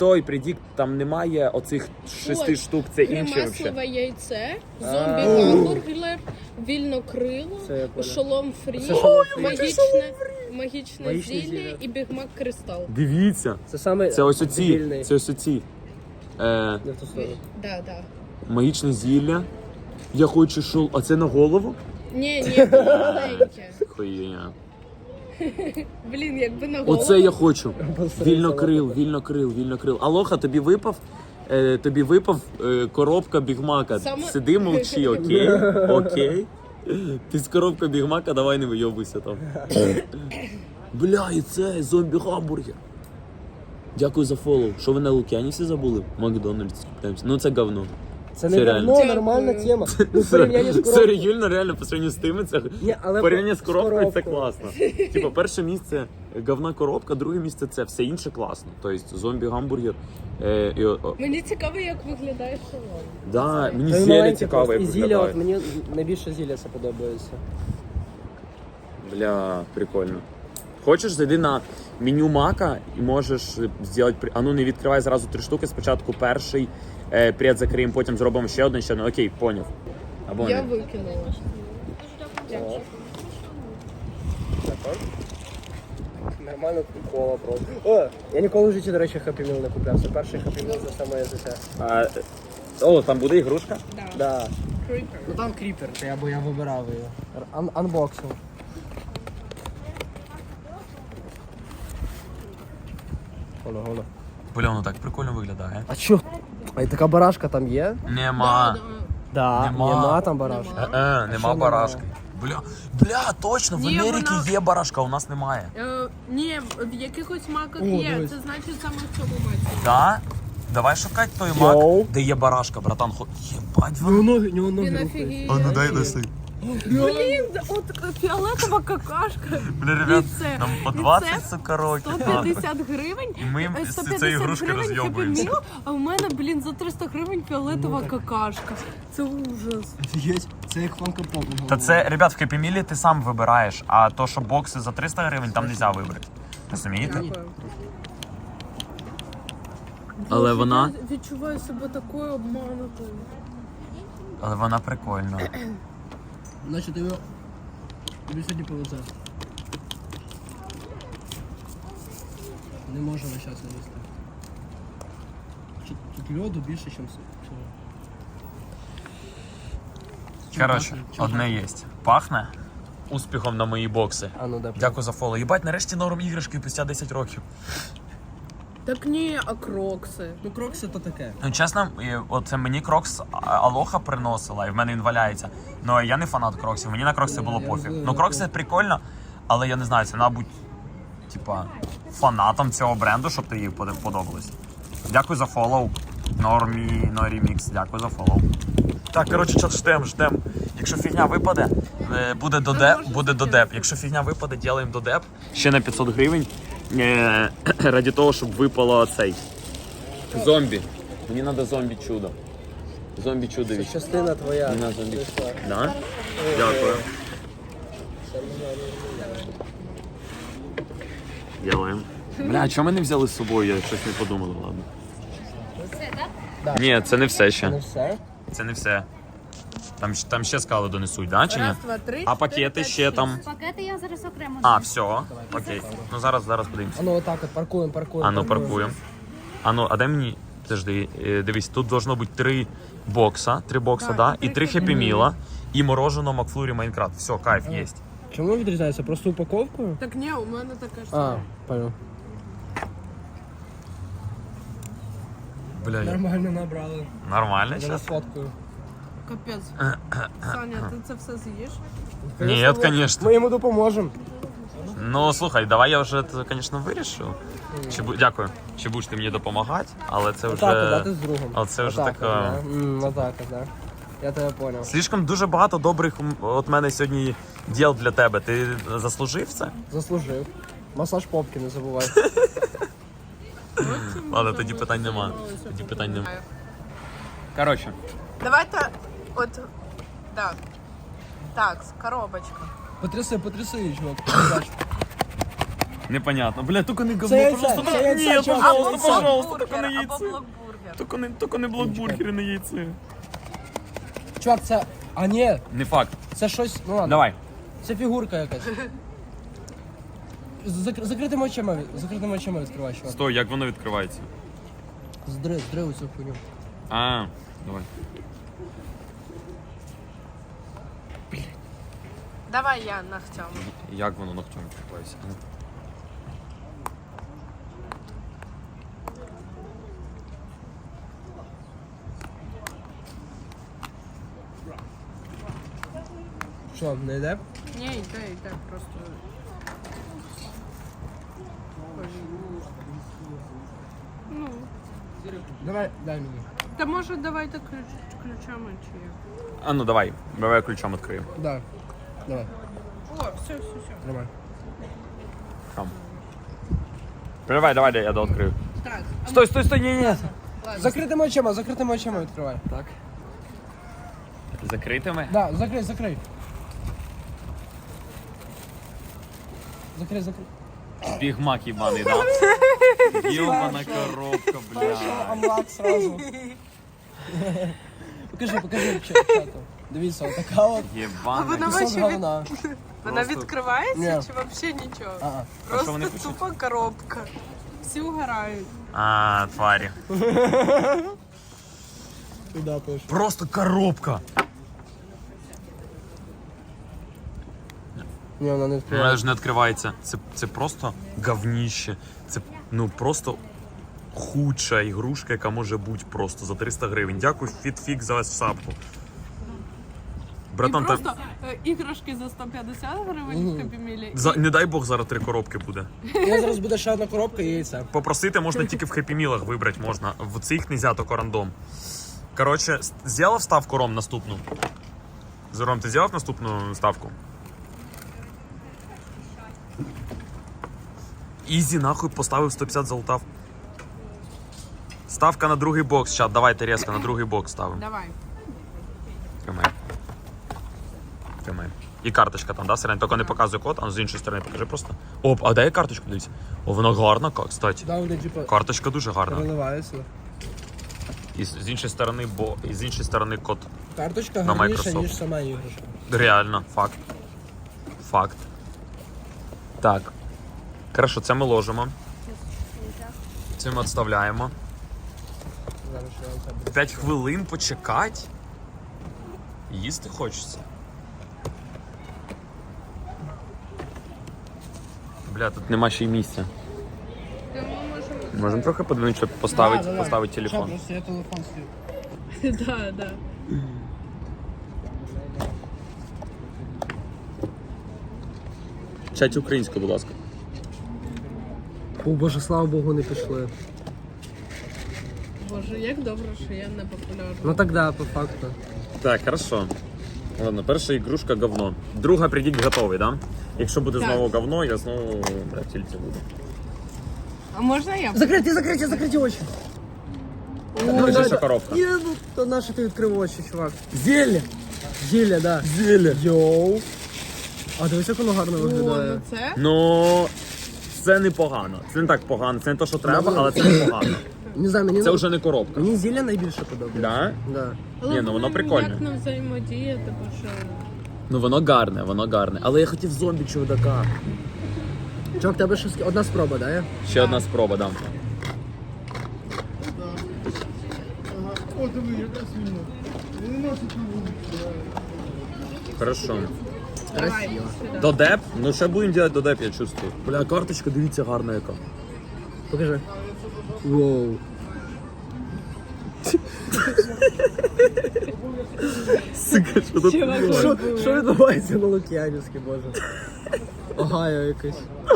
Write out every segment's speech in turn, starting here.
Той предікт, там немає оцих 6 штук, це інші взагалі. Маслове яйце, зомбі-гамбургер, вільнокрило, шолом фрі, магічне зілля і бігмак кристал. Дивіться, це ось оці, це ось оці. Да. Магічне зілля. Я хочу шол... А це на голову? Ні, маленьке. Хуйня. Блін, якби на голову. Оце я хочу. Вільнокрил. Алоха, тобі випав коробка бігмака. Сиди, мовчи, окей? Ти з коробка бігмака, давай не вийобуйся там. Бля, і це зомбі-гамбургер. Дякую за фоллоу. Що ви на Лук'янісі забули? Макдональдс купляємося. Ну це говно. Це не говно, нормальна тема. Ну, порівняння з коробкою. Це реально, по сравнению з тими, це порівняння з коробкою це класно. Типа, перше місце говна коробка, друге місце це все інше класно. Тобто зомбі-гамбургер. Мені цікаво, як виглядає шолом. Да, мені зілля цікаво, як зілля, виглядає. от мені найбільше зілля це подобається. Бля, прикольно. Хочеш, зайди на меню Мака і можеш зробити... А ну не відкривай зразу 3 штуки, спочатку перший, пред закриємо, потім зробимо ще один. Окей, поняв. Або Я не. викинула. Нормально кола просто. О, я ніколи в житті, до речі, Happy Meal не купляв. Це перший Happy Meal за все моє життя. О, там буде ігрушка? Да. Кріпер. Ну там кріпер, я вибирав її. Анбоксинг. Гола. Бля, воно так прикольно виглядає. А чо? А і така барашка там є? Нема. Да, нема там барашки. Нема барашки. Бля, точно, в Ні, Америці вона- є барашка, а у нас немає. Ні, в якихось маках О, є. дивись. Це значить саме в цьому маці. Да? Давай шукати той Йоу. мак, де є барашка, братан. Єбать, У нього ноги Він рухаються. офігіє. ну дай носи. Блін, от фіолетова какашка. Бля, ребят, І це- нам по і 20, це сука, років. 150 гривень. І ми з 150 цієї ігрушки гривень розйобуємося. Happy Meal, а в мене, блін, за 300 гривень фіолетова какашка. Це ужас. Офігеть, це як фанка-поп. Та це, ребят, в Happy Meal ти сам вибираєш, а то, що бокси за 300 гривень, там не можна вибрати. Розумієте? Дякую. Але Боже, вона- Я відчуваю себе такою обманутою. Але вона прикольна. Значить, тобі сьогодні повезе. Не можу весь час їсти. Тут льоду більше, ніж всього. Коротше, одне є. Пахне успіхом на мої бокси. А ну да. Дякую за фоло. Єбать, нарешті норм іграшки після 10 років. Так ні, а крокси. Ну крокси то таке. Ну, чесно, оце мені крокс Алоха приносила, і в мене він валяється. Ну, я не фанат кроксів, мені на крокси було пофіг. Ну, крокси прикольно, але я не знаю, це треба бути, типа, фанатом цього бренду, щоб тобі подобалось. Дякую за фоллоу. Нормікс, дякую за фоллоу. Так, коротше, чат, ждем. Якщо фігня випаде, буде додеп. Якщо фігня випаде, ділаємо додеп. Ще на 500 гривень. Раді того, щоб випало цей. Зомбі. Мені треба зомбі-чудо. Зомбі-чудо від. Частина твоя. Мені треба зомбі. Да? Дякую. Ділаємо. Бля, а чого ми не взяли з собою? Я щось не подумала, ладно. Да. Ні, це не все ще. Не все? Це не все. Там ще скали донесуть, да, чи ні? Раз, два, три. А пакети 4, 5, ще 6. там. Пакети я зараз окремо. А, все. Окей. Ну зараз подивимося. А ну отак от паркуємо. А ну паркуємо. А ну, а дай мені. Подожди, дивись, тут должно бути 3 бокса, да? І 3 хеппі-міла, і мороженого Макфлурі Майнкрафт. Все, кайф, є. Чому відрізняється? Просто упаковкою? Так ні, у мене така ж А, сама. понял. Бля, Нормально набрали. нормально Я зараз? сфоткаю. Капець. Саня, ти це все з'їш? Ні, звісно. Ми йому допоможемо. Ну, слухай, давай я вже це, звісно, вирішив. Дякую. Чи будеш ти мені допомагати, але це вже... Отак, да, ти з другом. Але це вже Отак, така... да. Отак, да. Я тебе понял. Слишком дуже багато добрих от мене сьогодні діл для тебе. Ти заслужив це? Заслужив. Масаж попки, не забувай. Ладно, тоді питань нема. Тоді питань нема. Коротше. Давайте от так, коробочка. Потряси, чувак. Непонятно. Бля, тільки не говно, Це яйце, пожалуйста. це яйце, Ні, чувак. пожалуйста, тільки не Або яйце. блокбургер. Тільки не блокбургери, не яйце. Чувак, це... А ні, Не факт. це щось... Ну ладно. Давай. Це фігурка якась. Закритими очима відкривай, чувак. Стой, як воно відкривається? Здри цю хуйню. А, давай. Давай я ногтем. Як воно ногтем відкривається? Що, не йде? Ні, йде, просто. Ну, Давай, дай мені. та може давайте ключами чи як. А ну давай я ключом відкрию. Да. Давай, О, все. тримай. Там. Давай, я дооткрию. Так, Стой, ні. Закритими очима відкривай. Так. Закритими? Да, закрий. Закрий. Бігмак їбаний, да? Йобана коробка, бля. Амлак сразу. Покажи чату. Дивіться, отака от. Єбана. вона Кусок вообще говна. Вона Просто- відкривається Ні. чи взагалі нічого? А, А що вони Просто пишуть? тупа коробка. Всі угорають. А, тварі. туди пишу. Просто коробка. Ні, вона не Вона відкриває. ж не відкривається. Це просто говніще. Це просто худша ігрушка, яка може бути просто за 300 гривень. Дякую, FitFix за сапку. Братан, І просто іграшки за 150 гривень в Хеппі-Мілі. не дай Бог, зараз 3 коробки буде. Я зараз буде ще одна коробка і яйця. Попросити можна тільки в Хеппі-Мілах вибрати можна. В цих нельзя, тільки рандом. Коротше, зробив ставку, Ром, наступну? Ром, ти зробив наступну ставку? Ізі, нахуй, поставив 150, залутав. Ставка на другий бокс, чат, давайте резко на другий бокс ставимо. Давай. Тримай. І карточка там, да, Сирень? Тільки не показує код, а з іншої сторони покажи просто. Оп, а дай карточку, дивіться. О, вона гарна, кстати. Да, вони типа Карточка дуже гарна. переливаються. І з іншої сторони код. Карточка На гарніша, Microsoft. ніж сама іграшка. Реально, факт. Так. Хорошо, це ми ложимо. Це ми відставляємо. Зараз ще яйця буде. 5 хвилин почекати. Їсти хочеться. Бля, тут нема ще й місця. Можемо трохи подивитися, щоб поставити Ща, телефон. просто я телефон слів. Да. Чать українською, будь ласка. О, боже, слава Богу, не пішли. Боже, як добре, що я не популярна. Ну так да, по факту. Так, хорошо. Ладно, перша ігрушка говно. Друга придіть готовий, да? Якщо буде Так. знову говно, я знову тільки буду. А можна я? Закриті очі. Покажи, що коробка. Ні, ну то наше ти відкрив очі, чувак. Зілля, да. Зілля. Йоу. А дивись, як воно гарно О, виглядає. ну це? Ну, це непогано. Це не так погано, це не те, що треба, але це непогано. Не знаю, мені, Це вже не коробка. мені зілля найбільше подобається. Да? Да. Ні, ну воно блин, прикольне. Як нам взаємодіяти, бо що... Ну воно гарне. Але я хотів зомбі чудака. Чувак, тебе щось... Одна спроба, да? є? Ще одна спроба, дам. Хорошо. Давай, сюди. Додеп? Ну ще будемо робити додеп, я чувствую. Бля, карточка, дивіться, гарна яка. Покажи. Воу. Сука, що тут? Що відбувається на Лук'янівській, боже? Огайо якесь.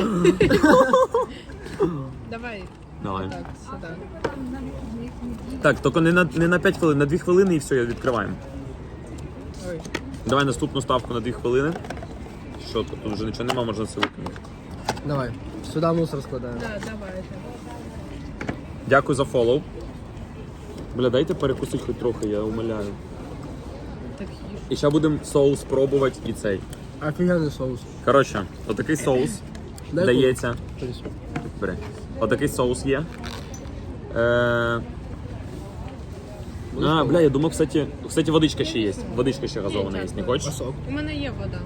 Давай, Давай. так, сюди. Так, тільки не на 5 хвилин, на 2 хвилини і все, відкриваємо. Ой. Давай наступну ставку на 2 хвилини. Що тут? Тут вже нічого нема, можна все викинути. Давай. Сюди мусор складаємо. Да, давайте. Дякую за фоллоу. Бля, дайте перекусити хоч трохи, я умоляю. Так їж. І зараз будемо соус пробувати і цей. Офігенний соус. Коротше, отакий соус. Дай дається. колу. Бери. Отакий соус є. Бля, я думав, кстати, водичка ще є. Водичка ще газована є, не хочеш? Сок. У мене є вода.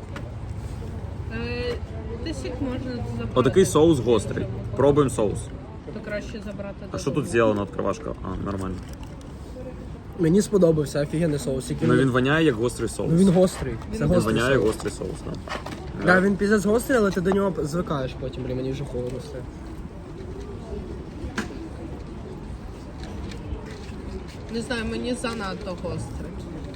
Ти сік можна забрати. Отакий соус гострий. Пробуємо соус. То краще забрати. А що тут зроблено відкривашка? Нормально. Мені сподобався, офігенний соус. Який Ну він воняє як гострий соус. Ну він гострий. Це Він гострий воняє як соус. гострий соус, так. Да, він піздець гострий, але ти до нього звикаєш потім, блін, мені вже холодно стає. Не знаю, мені занадто гострий.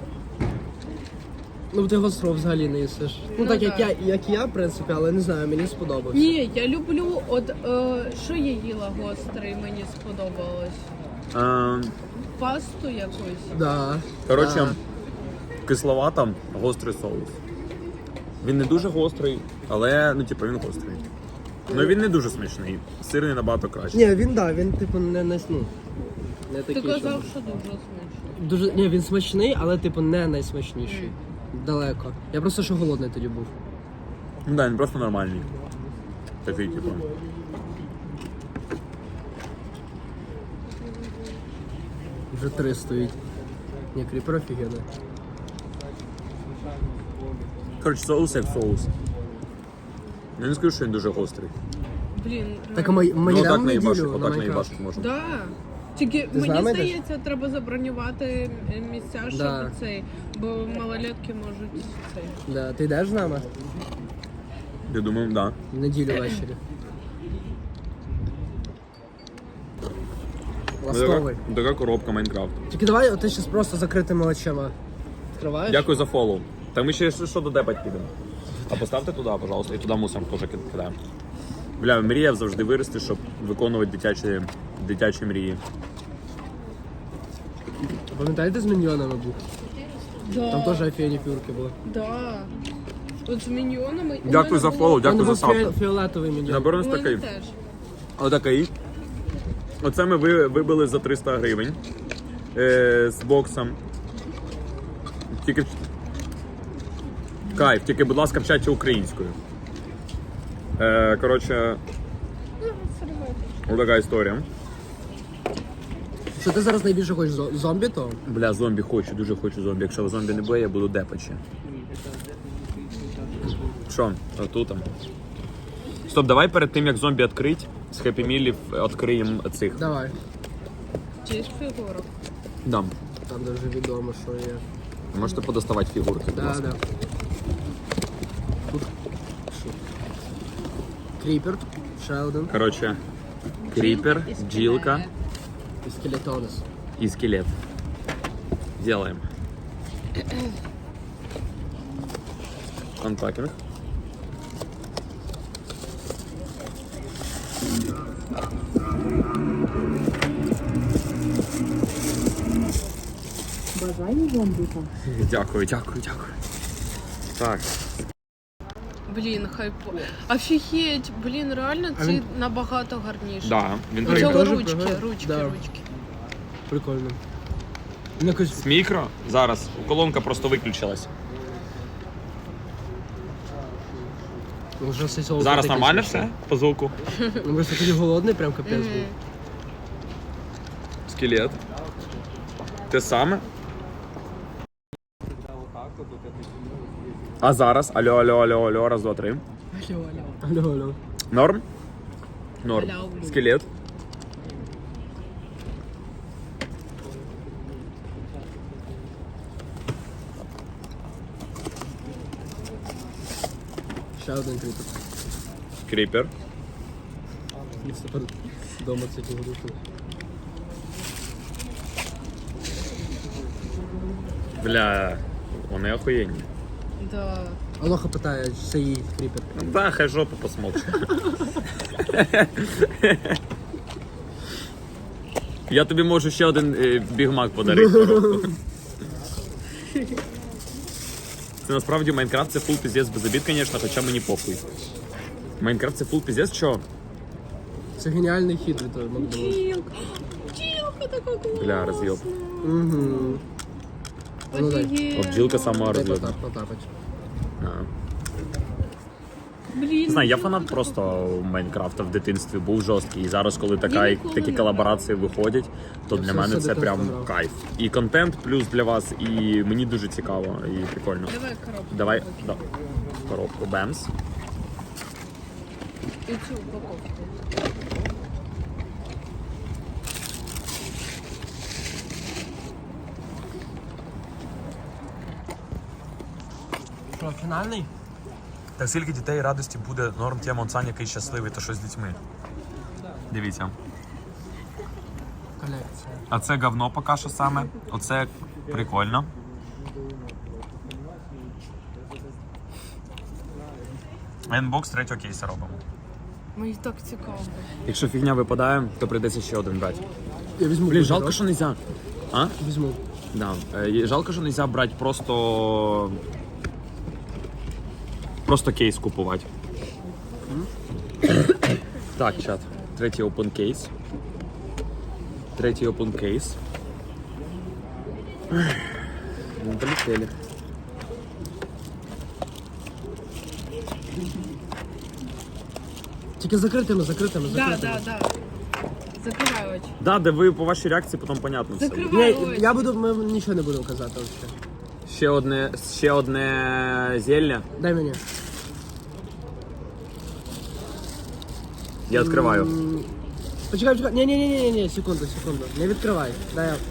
Ну ти гостро взагалі не їсиш. Ну так да. як я, в принципі, але не знаю, мені сподобався. Ні, я люблю, що я їла гострий, мені сподобалось. Пасту якусь. Да. Коротше, да. кисловато, гострий соус. Він не дуже гострий, але ну типу він гострий. Ну він не дуже смачний. Сирний набагато краще. Ні, він типу не не Ти такий. казав, щоб- що дуже смачно. Дуже ні, він смачний, але типу не найсмачніший. Далеко. Я просто що голодний тоді був. Ну да, він просто нормальний. Такий, типу. Вже 3 стоїть. Ні, кріпер офігенний. Коротше, соус як соус. Я не скажу, що він дуже гострий. Блін, Так а ми Ну отак йдемо в наїбашить, неділю на отак Майнкрафт. наїбашить можна. Да. Тільки Ти з мені нами йдеш? здається, треба забронювати місця, щоб Да. цей, бо малолетки можуть цей. Да. Ти йдеш з нами? Я думаю, да. В неділю ввечері. Ластовий. Така коробка Майнкрафт. Тільки давай ти зараз просто закритими очима. Відкриваєш? Дякую за фоллоу. Та ми ще що додепать підемо. А поставте туди, пожалуйста, і туди мусимо теж кидаємо. Бля, мріяв завжди вирости, щоб виконувати дитячі мрії. Пам'ятаєте, з міньйонами був? Да. Там теж офігенні фігурки були. Да. От з міньйонами. у Дякую мене за було- фоллоу, Там дякую за був ставку. фіолетовий міньйон. Наберемо У мене такий. теж. Отакий. Оце ми вибили за 300 гривень. З боксом. Тільки... Кайф, тільки, будь ласка, вчаться українською. Коротше, отака історія. Що ти зараз найбільше хочеш зомбі то? Бля, зомбі хочу, дуже хочу зомбі. Якщо зомбі не буде, я буду депачі. Що? Отут там. Стоп, давай перед тим, як зомбі відкрить, з Happy Meal'ів відкриємо цих. Давай. Чи фігурок. Дам. Там дуже відомо, що є. Можете подоставати фігурки, будь Да, ласка. да. Тут що? Кріпер, ще один. Коротше, кріпер, і скелет. бджілка І скелетонес. і скелет. Делаем. Анпакинг. Бажаю зомбіка. Дякую, дякую, дякую. Так. Блін, хайпо. Офігеть, блін, реально А ці він- набагато гарніші. Да, він У Він цього теж ручки, пригає? ручки, Да. ручки. Прикольно. Ну, якось З мікро. Зараз. Колонка просто виключилась. вже все цього Зараз таке нормально смачне. все по звуку? Ну просто тоді голодний, прям капець був. Скелет. Те саме. А зараз? Алло, алло, алло, алло, раз, два, три. Алло, алло. Норм? Норм. Алло. Скелет. Ще один кріпер. Кріпер. І тепер вдома це фігурки. Бля, вони охуєнні. Да. Алоха питає, чи це її кріпер. Да, хай жопу посмокче. Я тобі можу ще один бігмак подарити. коробку. Це насправді Майнкрафт це фул піздець без обід, звісно, хоча мені похуй. Майнкрафт це фул піздець, що? Це геніальний хід від того Макдональдса. Бджілка. Бджілка така класна. Бля, роз'єб. Угу. Ну, дай. Офігеть. О, бджілка сама Дай роз'єбна. потапать. Блін. Не знаю, я фанат просто Майнкрафта в дитинстві, був жорсткий. І зараз, коли ніколи такі не колаборації виходять, то для все мене це дитинство прям грав. кайф. І контент плюс для вас, і мені дуже цікаво і прикольно. Давай коробку. Давай, да. Коробку Бемс. І цю упаковку. Що, фінальний? Так скільки дітей радості буде норм тема Сань, який щасливий, то що з дітьми. Дивіться. Колекція. А це говно поки що саме. Оце прикольно. Енбокс третього кейса робимо. Мені так цікаво. Якщо фігня випадає, то прийдеться ще один брати. Я візьму. Блін, жалко, бургерок. що нельзя. А? Візьму. Да. Жалко, що нельзя брати просто кейс купувати. Так, чат. Третій open кейс. Третій open кейс. Ну, полетели. Тільки закритими. Да. Закривай очі. Да, де ви по вашій реакції потім понятно все. Закривай Ні, очі. ми нічого не будемо казати взагалі. Ще одне зілля. Дай мені. Я відкриваю. Почекай. Ні, секунду. Не відкривай. Дай я.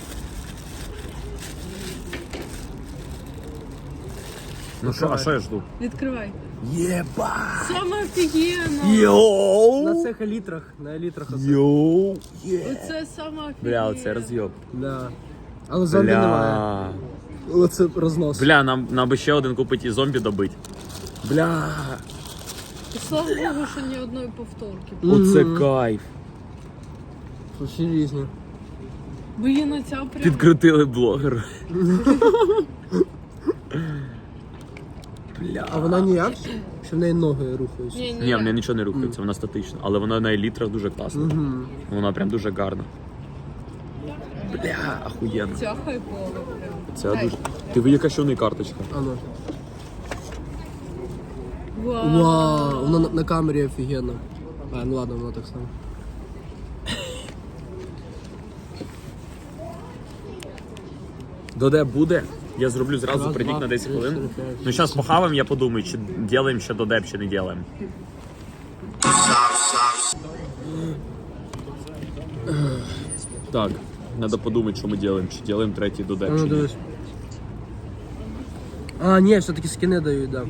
Ну що, а що я жду? Відкривай. Єба! Саме офігенно. Йоу! На цих елітрах. На елітрах оце. Йоу! Оце саме офігенно. Бля, оце роз'єб. Да. Але зомбі немає. Оце рознос. Бля, нам би ще один купити і зомбі добити. Бля, І слава Богу, що ні одної повторки. оце кайф. Всі різні. Бо є на ця прям... Підкрутили блогера. Бля. А вона ніяк? Що в неї ноги рухаються? Ні, в неї нічого не рухається, вона статична. Але вона на елітрах дуже класна. Вона прям дуже гарна. Бля, охуєнно. Ця хайпова прям. Це Дай. дуже. Ти ви яка ще в неї карточка? А ну. Вау. Вау, воно на камері офігенно. А, ну ладно, воно так само. Доде буде. Я зроблю зразу, Раз, прийдіть два, на 10 три, хвилин. 4, 5, Ну зараз похаваємо, я подумаю, чи ділаємо ще додеп, чи не ділаємо. Так, треба подумати, що ми робимо, чи робимо третій А додеп, ну чи ні. дивись. А, ні, все-таки скини дають, да.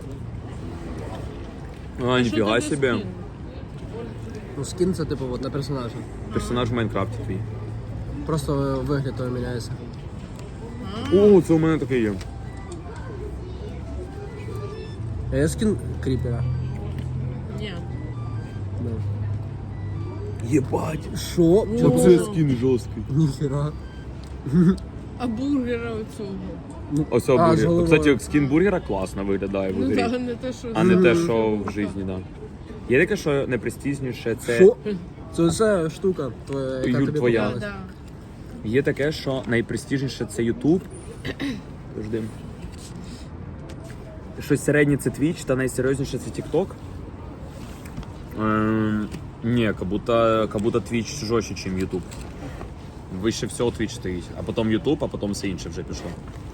А, Що ніфіга тобі собі. скін? Ну скин це типу от, на персонажа. Персонаж в Майнкрафті твій. Просто вигляд того міняється. О, це у мене такий є. А я скин кріпера. Ні. Да. Єбать. Що? Оце скін жорсткий. Ніхера. А бургера оцього. Ось А, з бургер. головою. Кстати, скін бургера класно виглядає в Ну ігрі. так, не те, що... А не те, що в житті, да. Є таке, що найпрестижніше це. Що? Це ця штука, яка Юр, тобі твоя. Да, попалась. да. Є таке, що найпрестижніше це YouTube. Жди. Щось середнє це Twitch, та найсерйозніше це TikTok. Ні, як будто Twitch жорстче, ніж YouTube. Вище всього Twitch стоїть, а потім YouTube, а потім все інше вже пішло.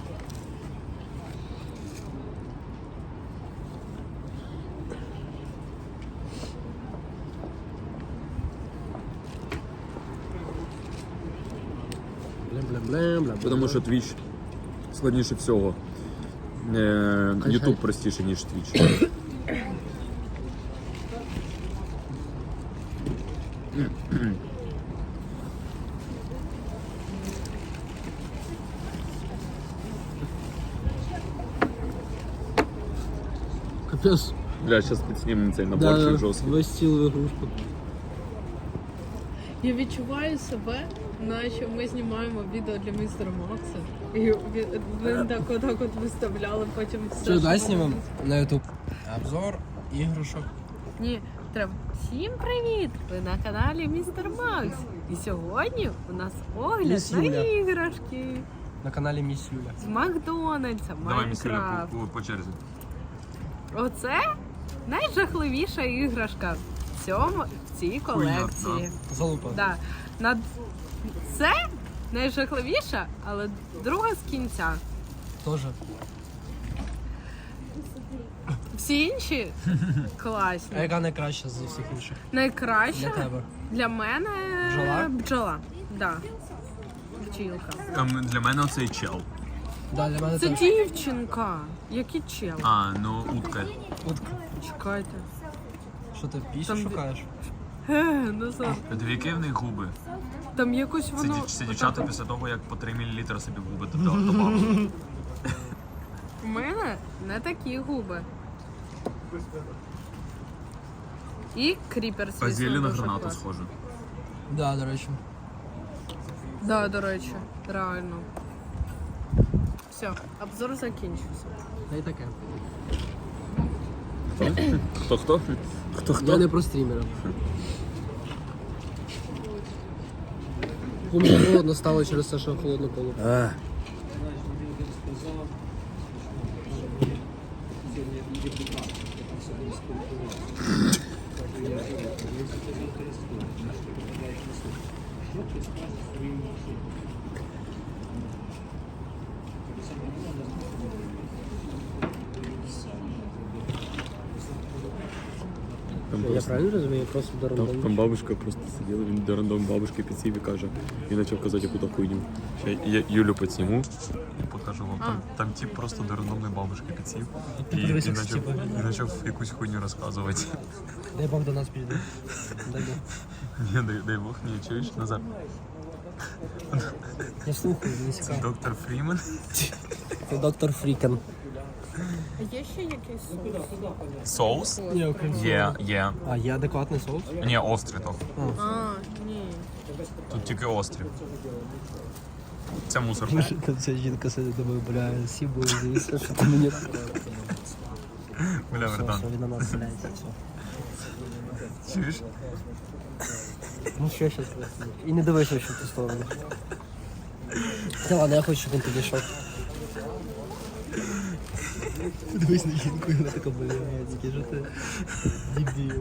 Блям. Тому що Twitch складніше всього. YouTube простіше, ніж Twitch. Капець. Бля, зараз підснімемо цей наборчик жорсткий. Весь стіл в ігрушку. Я відчуваю себе, наче ми знімаємо відео для містера Макса. І він так от виставляли потім все. Що, дай можна. знімемо на YouTube? Обзор ігрушок. Ні, треба. Всім привіт! Ви на каналі Містер Макс. І сьогодні у нас огляд Міс на Юля. іграшки На каналі Міс Юля. з Макдональдса, Давай, місцеві Майнкрафт. по черзі. Оце найжахливіша іграшка в цій колекції. Залупа. Да. Це найжахливіша, але друга з кінця. Тоже. Всі інші класні. А яка найкраща з всіх інших? Найкраща Для тебе? для мене Бджола? бджола. Да. Бджілка. Для мене оцей чел. Да, для мене Це теж. дівчинка. Який чел? А, ну утка. Утка. Чекайте. Що ти пісню Там шукаєш? Назад. Дві в них губи. Там якось Це, воно... це дівчата після того, як по 3 мл собі в губи добавили. У мене не такі губи. І кріпер, звісно, А зілля на дуже гранату класний. схоже. Да, до речі. Да, до речі, реально. Все, обзор закінчився. Та й таке. Хто? Я не про стрімера. Мені холодно стало через те, що холодно коло. Я правильно розумію? Просто до Там бабушка просто сиділа, він до рандом бабушки підсів і каже, і почав казати яку-то хуйню. Я Юлю підсніму. І покажу вам. Там тип просто до рандомної бабушки підсів і подивися, ці типи. почав якусь хуйню розказувати. Дай Бог до нас підійде. Дай Бог. Ні, дай Бог, ні, чуєш, Назар. Я слухаю, не цікаво. Доктор Фрімен. Це доктор Фрікен. А є ще якийсь Соус? Ні, окрім Є. А, є адекватний соус? Ні, острий то. А, ні. Тут тільки острів. Це мусор. Там ця жінка сидить, думаю, бля, сібу, звісно, що ти мені... Бля, Все, братан. все, він на нас стріляється, все. Чуєш? Ну що щас? І не дивися, що в ту сторону. Та ладно, я хочу, щоб він підійшов. Дивись на жінку, і вона така, бля, який же ти дебіл.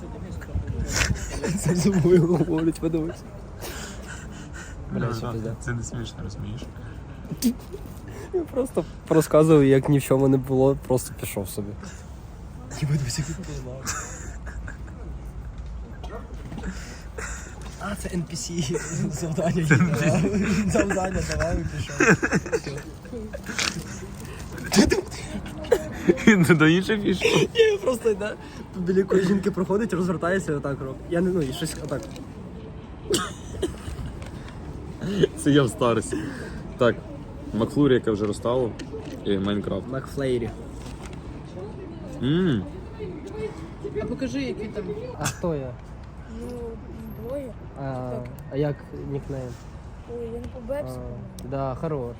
Це за мною говорить, подивись. Бля, все пизда. Це не смішно, розумієш? Я просто розказував, як ні в чому не було, просто пішов собі. Єбать, дивись, як він познав. А, це NPC завдання. Завдання давав і пішов. Він до інших пішов. Я просто йде, біля якої жінки проходить, розвертається і отак робить. Я не, ну, і щось отак. Це я в старості. Так, Макфлурі, яке вже розстало, і Майнкрафт. Макфлейрі. А покажи, які там. А хто я? Ну, двоє. А як нікнейм? Ой, я не по Бепсу. Да, хорош.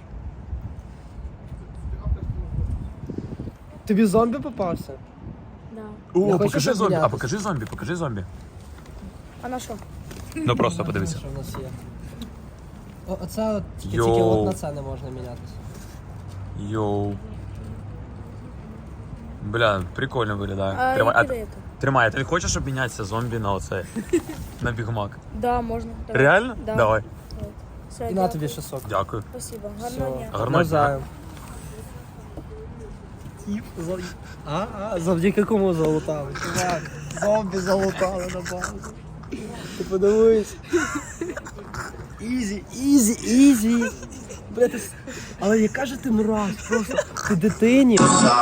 Тобі зомбі попався? Да. Не О, хочеш покажи зомбі. А обмінятися? покажи зомбі. А на що? Ну просто подивися. Що в нас є? Оце от, тільки Йоу. от на це не можна мінятися. Йоу. Бля, прикольно виглядає. А Тримай, які даєте? тримай, ти хочеш обмінятися зомбі на оце? На бігмак? Да, можна. Давай. Реально? Да. Давай. Все, І на дякую. тобі ще сок. Дякую. Спасибо. Гарного дня. Гарного дня. Навзаєм. Завдяки кому залутали? Чувак, зомбі залутали на базу. Ти подивись. Ізі. Бля, ти... Але яка же ти мразь, просто ти дитині.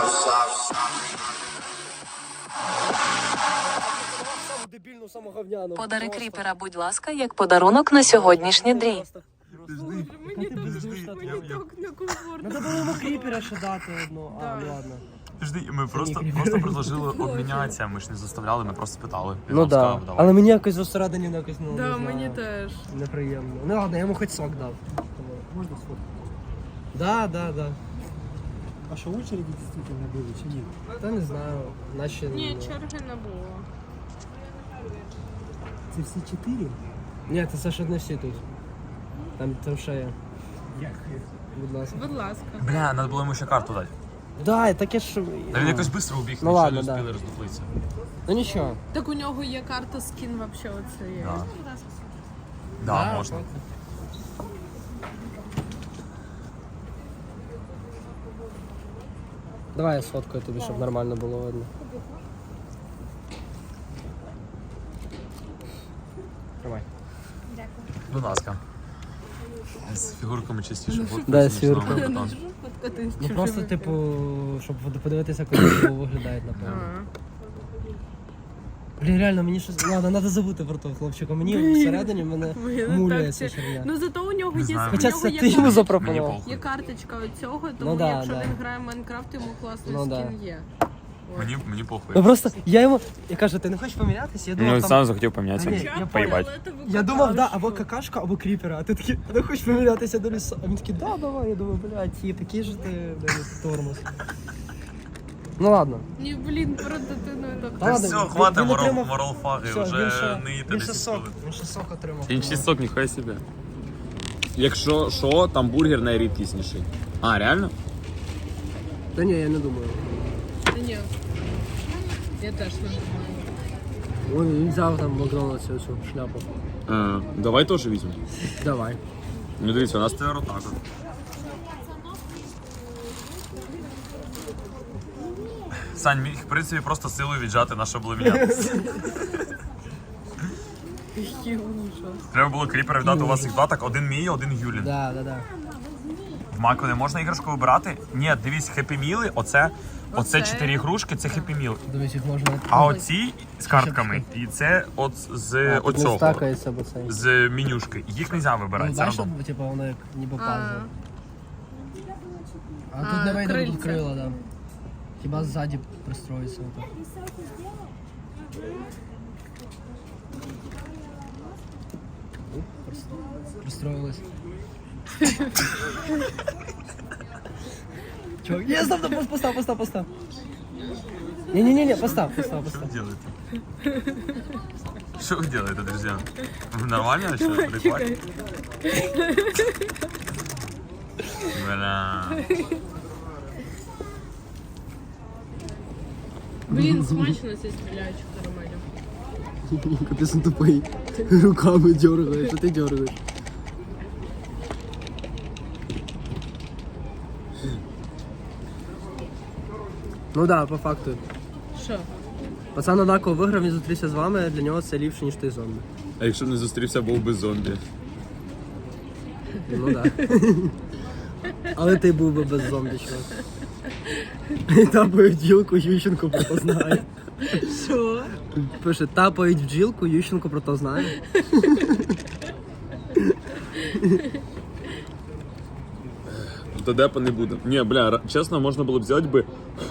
Дебільну самоговняну. Подари кріпера, будь ласка, як подарунок на сьогоднішній дрій. Боже, мені так некомфортно. Надо було йому кріпера ще дати одну. А, ну ладно. Подожди, ми просто предложили обмінятися, ми ж не заставляли, ми просто спитали. Він Ну нам да. сказав, давай. Але мені якось зосередині якось ну, не Да, знаю. мені теж. Неприємно. Ну ладно, я йому хоч сок дав. Можна сок? Да. А що очереди дійсно були чи ні? Та не знаю. Наші... Ні, черги не було. Це всі 4? Ні, це ж не всі тут. Там ще є. Як? Будь ласка. Будь ласка. Бля, треба було йому ще карту дати. Да, таке ж... Та він якось швидко убіг, Ну нічого ладно, не да. встигли роздуплитися. Ну нічого. Так у нього є карта скін вообще оце є. Да. Да, можна. Давай я сфоткаю тобі, щоб нормально було видно. Тримай. Будь ласка. З фігурками частіше фоткаюся, Да, ніж з фігурками. на бетон. Ну просто, типу, щоб подивитися, як вони виглядають, напевно. Блін, реально, мені щось... Ладно, треба забути про того хлопчика. Мені всередині мене муляє ця херня. Ну зато у нього Не є знаю. Хоча у нього це є ти йому карта- Мені запропонував. похуй. Є карточка цього, тому Ну да, якщо да. він грає в Майнкрафт, йому класний Ну да. скін є. Мені похуй. Ну просто, я йому... Я кажу, ти не хочеш помінятися? Я думав, Ну, там... сам захотів А, помінятися. ні, я Поїбать. Я думав, да, або какашка, або кріпера, а ти такий, а ти хочеш помінятися до лісу? А він такий, да, давай, я думаю, блядь, тіп, який же ти, блядь, тормоз. Ну ладно. Ні, блін, про дитину так. Та Та ладно, все, він- хватить він отримав- моралфаги, Все, вже не їти він ще 10 сок, хвилин. він ще сок отримав. Інший сок, ніхай себе. Якщо що, там бургер найрідкісніший. А, реально? Та ні, я не думаю. Та ні. Я теж не знаю. Ой, він взяв там в Макдональдсі цю шляпу. Давай теж візьмемо. Давай. Ну дивіться, у нас Тепер отак от. Сань міг, в принципі, просто силою віджати на що було мінятися. Який ужас. Треба було кріпера віддати, у вас їх два, так один мій, один Юлін. Да. В Маку не можна іграшку вибирати? Ні, дивись, хеппі-міли, оце 4 ігрушки, це хеппі-міл. Дивись, їх можна... А оці з картками, і це от з не оцього, стакається, бо цей. з менюшки. Їх не можна вибирати, Ну, це бачиш, рандом. типу, воно як ніби А. пазл. А тут не вийде, бо тут крильця. крила, да. Хіба ззаді пристроїться отак. Оп, пристроїлись. Чувак, є, стоп, постав. Ні, постав. Що ви делаете? Що ви делаете, друзі? Ви нормально, що? Прикольно? Бля. Блін, смачно ці стріляючі карамелі. Капець он тупий. Руками дергаєш, а ти дергаєш. Ну да, по факту. Що? Пацан однаково виграв, він зустрівся з вами, для нього це ліпше, ніж той зомбі. А якщо б не зустрівся, був би зомбі. Ну да. Але ти був би без зомбі, чувак. Тапають бджілку, Ющенко про то знає. Що? Пише, тапають бджілку, Ющенко про то знає. То депа не буде. Ні, бля, чесно, можна було б взяти би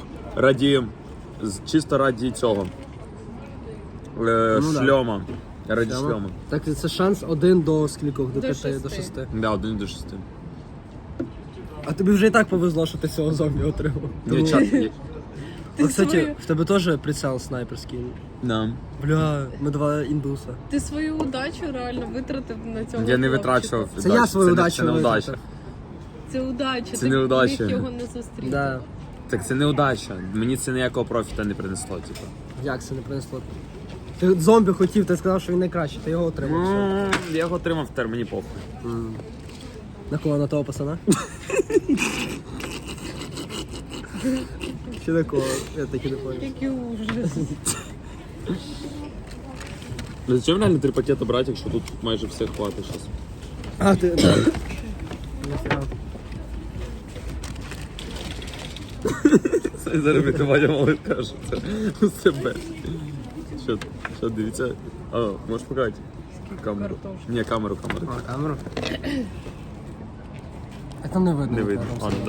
чисто раді цього. да. Шльома. Раді шльома. Так це шанс 1 до скількох? До 5, шести. до 6. Да, 1 до 6. А тобі вже і так повезло, що ти цього зомбі отримав. Ні, чат. А, кстати, в тебе теж прицел снайперський. Да. Бля, ми два індуса. Ти свою удачу реально витратив на цього. Я не хлопчика. витрачував. Це я свою удачу Це не удача. витратив. Це удача. Це ти не удача. міг його не зустріти. Да. Так це не удача. Мені це ніякого профіта не принесло, типу. Як це не принесло? Ти зомбі хотів, ти сказав, що він найкращий, ти його отримав. Все. Я його отримав, тепер мені похуй. На кого? На того пацана? Що такого? Я таки не понял. Який ужас. Зачем реально 3 пакети брати, якщо тут майже все хватить зараз? А, ти... так. Ніфіга. Це зараз Ваня малий каже, це себе. Що, дивіться? А, можеш показати? Камеру. Ні, камеру. А, камеру? А там не видно. Не видно. там Ладно, все.